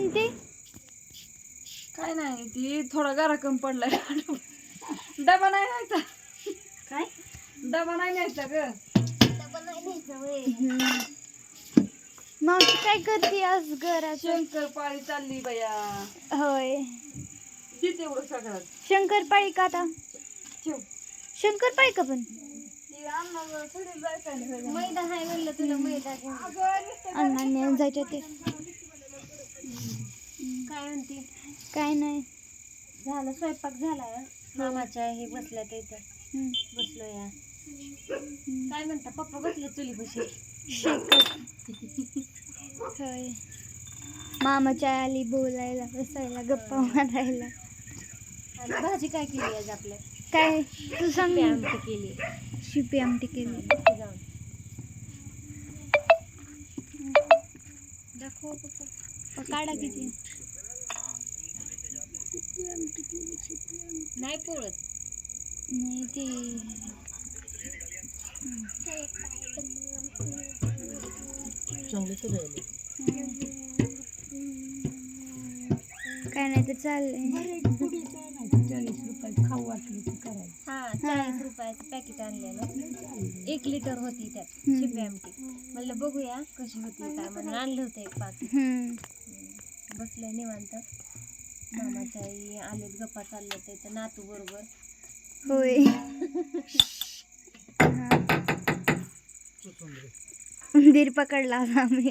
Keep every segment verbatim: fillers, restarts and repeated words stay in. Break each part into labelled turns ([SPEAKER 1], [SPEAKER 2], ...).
[SPEAKER 1] म्हणते
[SPEAKER 2] काय नाही ती थोडा गारा कमी पडलाय. डबा नाही न्यायचा.
[SPEAKER 1] काय
[SPEAKER 2] डबा नाही न्यायचा ग.
[SPEAKER 1] मावशी काय करते आज घरात?
[SPEAKER 2] शंकरपाळी चालली बया.
[SPEAKER 1] होय
[SPEAKER 2] ती तेवढं सगळं
[SPEAKER 1] शंकरपाळी का आता?
[SPEAKER 2] ठेव.
[SPEAKER 1] शंकरपाळी का पण?
[SPEAKER 2] ती अण्णा थोडी जायचं नाही.
[SPEAKER 3] मैदा हाय म्हणलं तुला मैदा
[SPEAKER 1] अण्णांनी जायचे ते.
[SPEAKER 3] काय म्हणते?
[SPEAKER 1] काय नाही
[SPEAKER 3] झालं स्वयंपाक झालाय. मामाच्या हे बसल्या ते इथं
[SPEAKER 1] हम्म.
[SPEAKER 3] बसलो या. काय म्हणता पप्पा बसले चुली बशी.
[SPEAKER 1] शेकत होय. मामाच्या आली बोलायला बसायला गप्पा मारायला.
[SPEAKER 3] आणि भाजी काय केली आज आपल्या?
[SPEAKER 1] काय तू सांग.
[SPEAKER 3] आमटी केली.
[SPEAKER 1] शिपी आमटी केली.
[SPEAKER 3] जाऊन दाखव पप्पा.
[SPEAKER 1] काढा किती
[SPEAKER 3] नाही पोळत.
[SPEAKER 1] नाही ते काय नाही तर चाललंय.
[SPEAKER 2] चाळीस रुपये खाऊ वाटलं की करायचं.
[SPEAKER 3] हा चाळीस रुपयाचं पॅकेट आणलेलं. एक लिटर होती त्यात शिपी आमटी. म्हणलं बघूया कशी होती काय म्हणून आणलं होतं एक पाकिट.
[SPEAKER 1] हम्म.
[SPEAKER 3] बसलंय निवांत. मामाच्या आई आलेत गप्पा चालले ते तर नातू बरोबर.
[SPEAKER 1] होय. उंदीर पकडला होता आम्ही.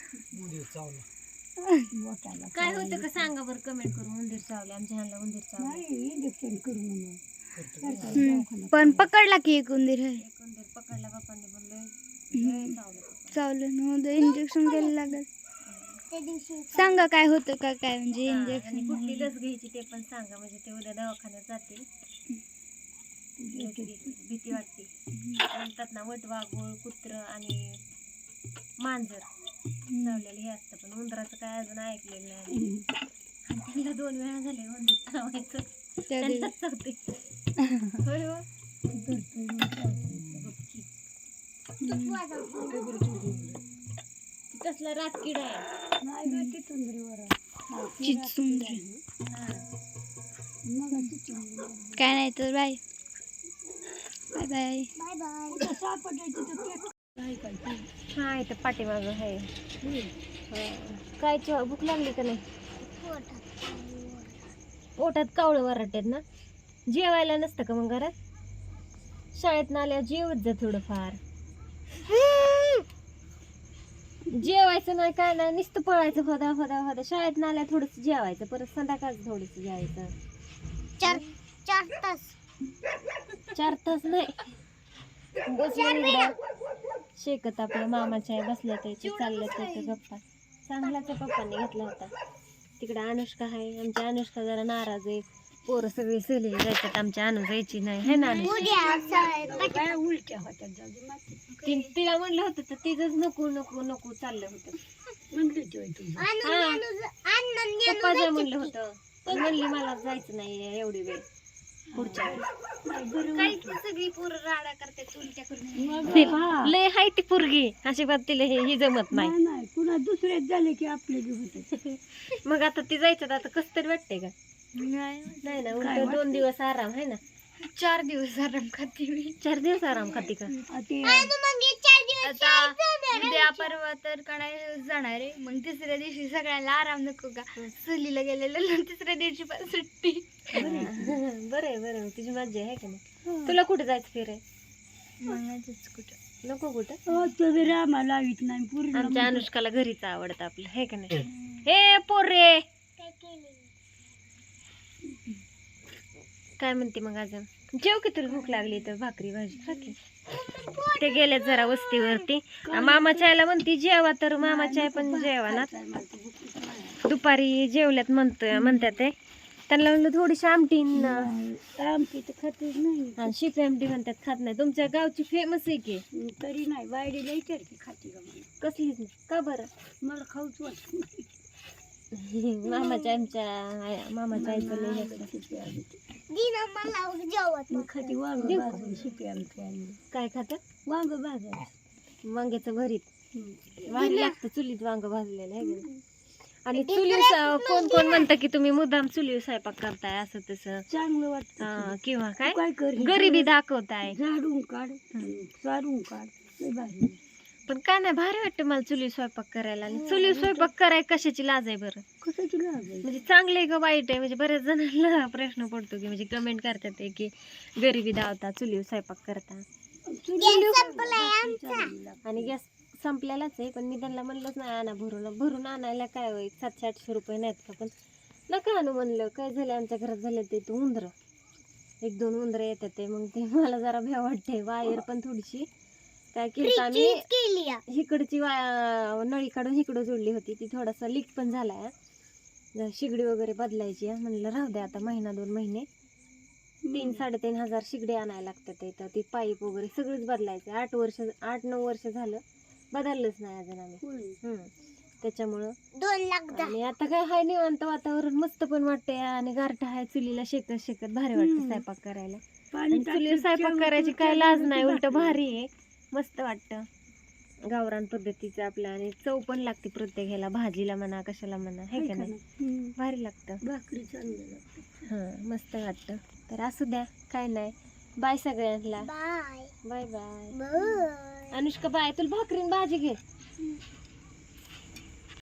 [SPEAKER 3] काय होतं का सांगा बरं कमेंट करून. उंदीर चावले आमच्या ह्यांना. उंदीर चावले.
[SPEAKER 2] इंजेक्शन करून
[SPEAKER 1] हम्म. पण पकडला की एक उंदीर आहे.
[SPEAKER 3] एक उंदीर पकडला बापांनी बोलले चावलं.
[SPEAKER 1] चावलं नव्हतं इंजेक्शन घ्यायला लागल. सांगा काय होतं का काय म्हणजे
[SPEAKER 3] आणि
[SPEAKER 1] इंजेक्शन.
[SPEAKER 3] कुठली लस घ्यायची ते पण सांगा म्हणजे ते उद्या दवाखान्यात जातील. लस घ्यायची भीती वाटते. म्हणतात ना वटवाघूळ कुत्र आणि मांजर चावलेलं हे असतं पण उंदराचं काय अजून ऐकलेलं नाही. त्यांना दोन वेळा झाले उंदीर चावायचं. त्यांनाच चावते. होय हो. कसला रातकिडा आहे.
[SPEAKER 1] चिचुंदरी. काय नाही तर बाय बाय बाय
[SPEAKER 3] हा इथं पाठीमाग आहे. काय च- भूक लागली का नाही? पोटात कावळं वराट्यात ना. जेवायला नसतं का मग घरात? शाळेत आल्यावर जेवत जा थोडंफार. जेवायचं नाही काय नाही नुसतं पळायचं होदा होदा होदा. शाळेत आल्या थोडस जेवायचं परत संध्याकाळचं थोडस जेवायचं.
[SPEAKER 1] चार चार तास
[SPEAKER 3] चार तास नाही. बसलं शेकत आपल्या मामाच्या बसल्या त्याचे चालल्या त्याच्या गप्पा. चांगलाच पप्पांनी घेतला होता. तिकडे अनुष्का आहे. आमची अनुष्का जरा नाराज आहे. पोरं सगळी सहलीला जायच्यात आमच्या अनु जायची नाही है ना.
[SPEAKER 2] उलट्या होत्या
[SPEAKER 3] ती- तिला म्हणलं होतं तर तिचंच नको नको नको चाललं होतं.
[SPEAKER 2] म्हणली
[SPEAKER 3] पप्पा जे म्हणलं होतं पण म्हणली मला जायचं नाही एवढी वेळ पुढच्या वेळेस.
[SPEAKER 1] सगळी पोरं राडा करतात उलट्या करून.
[SPEAKER 3] लय हाय ती पोरगी अशी बात तिला हे ही जमत नाही.
[SPEAKER 2] नाही पुन्हा दुसरेच झाले की आपले बी होते.
[SPEAKER 3] मग आता ती जायचं आता कस तरी वाटतंय का?
[SPEAKER 1] नाही
[SPEAKER 3] नाही ना उलट दोन दिवस आराम आहे ना.
[SPEAKER 1] चार दिवस आराम खाते मी.
[SPEAKER 3] चार दिवस आराम खाती का?
[SPEAKER 1] आता उद्या परवा तर कणाय जाणार आहे. मग तिसऱ्या दिवशी सगळ्यांना आराम नको का? सहलीला गेलेलं तिसऱ्या दिवशी पण सुट्टी.
[SPEAKER 3] बरं आहे बरं आहे तुझी मज्जा आहे का नाही. तुला कुठे जायचं फिराय?
[SPEAKER 1] कुठं
[SPEAKER 3] नको कुठं.
[SPEAKER 2] तुम्ही रामा लावित नाही पूर्ण.
[SPEAKER 3] आमच्या अनुष्काला घरीच आवडतं आपलं हे का नाही. हे पोरे काय म्हणते मग अजून? जेव की तुला भूक लागली तर भाकरी भाजी खा की. ते गेले जरा वस्तीवरती. मामाच्या आईला म्हणती जेवा तर मामाच्या आई पण जेवा ना. दुपारी जेवल्यात म्हणतोय म्हणतात ते. त्यांना म्हणलं थोडीशी आमटी
[SPEAKER 2] आमटी तर खातच नाही.
[SPEAKER 3] आणि शिपी आमटी म्हणतात खात नाही. तुमच्या गावची फेमस आहे की.
[SPEAKER 2] तरी नाही वाडीला विचार की खाती का मला.
[SPEAKER 3] कसलीच नाही का बरं?
[SPEAKER 2] मला खाऊच वाटत नाही.
[SPEAKER 3] मामाच्या आमच्या मामाच्या आईचं लय असतं.
[SPEAKER 2] खाती वांग भाजून शिपी आमटी आणली.
[SPEAKER 3] काय खातात?
[SPEAKER 2] वांग भाजायचं.
[SPEAKER 3] वांग्याचं भरीत भारी लागतं चुलीत वांग भाजलेलं आहे का. आणि चुली कोण कोण म्हणतं की तुम्ही मुद्दाम चुलीवर स्वयंपाक करताय असं तसं
[SPEAKER 2] चांगलं वाटतं
[SPEAKER 3] हा, किंवा काय
[SPEAKER 2] काय कर
[SPEAKER 3] गरिबी दाखवताय.
[SPEAKER 2] झाडून काढ चारून काढ लय भारी.
[SPEAKER 3] पण काय नाही भारी वाटतं मला चुली स्वयंपाक करायला. आणि चुली स्वयंपाक कराय कशाची लाज आहे बरं?
[SPEAKER 2] कशाची लाज आहे?
[SPEAKER 3] म्हणजे चांगलं आहे का वाईट आहे? म्हणजे बऱ्याच जणांना प्रश्न पडतो की म्हणजे कमेंट करतात ते की गरिबी दावता चुलीवर स्वयंपाक करता. आणि गॅस संपलेलाच आहे, पण मी त्यांना म्हणलंच नाही आणा भरून भरून आणायला काय होईल सातशे आठशे रुपये नाहीत का, पण नका आणू म्हणलं. काय झालं आमच्या घरात झालं ते तू उंदरं एक दोन उंदरं येतात ते, मग ते मला जरा भ्या वाटते. वायर पण थोडीशी काय केलं आम्ही इकडची वाया नळी काढून इकडं जोडली होती, ती थोडासा लीक पण झालाय. जरा शिगडी वगैरे बदलायची आहे म्हणलं राहू द्या आता महिना दोन महिने. तीन साडेतीन हजार शिगडी आणायला लागतात इथं. ती पाईप वगैरे सगळंच बदलायचं. आठ वर्ष आठ नऊ वर्ष झालं बदललंच नाही अजून आम्ही. हम्म त्याच्यामुळं
[SPEAKER 1] दोन लाख
[SPEAKER 3] आणि आता काय हाय निवांत वातावरण मस्त पण वाटतंय आणि गारठा आहे चुलीला शेकत शेकत भारी वाटतं स्वयंपाक करायला. आणि चुलीवर स्वयंपाक करायची काय लाज नाही, उलट भारी आहे, मस्त वाटतं गावरान पद्धतीचं आपलं. आणि चव पण लागते प्रत्येक ह्याला, भाजीला म्हणा कशाला म्हणा, हे का नाही भारी लागतं.
[SPEAKER 2] भाकरी चांगली लागते.
[SPEAKER 3] हां मस्त वाटतं. तर असू द्या काय नाही. बाय सगळ्यांना.
[SPEAKER 1] Bye
[SPEAKER 3] bye bye.
[SPEAKER 1] Bye
[SPEAKER 3] Anushka bye. तुला भाकरीन भाजी घे.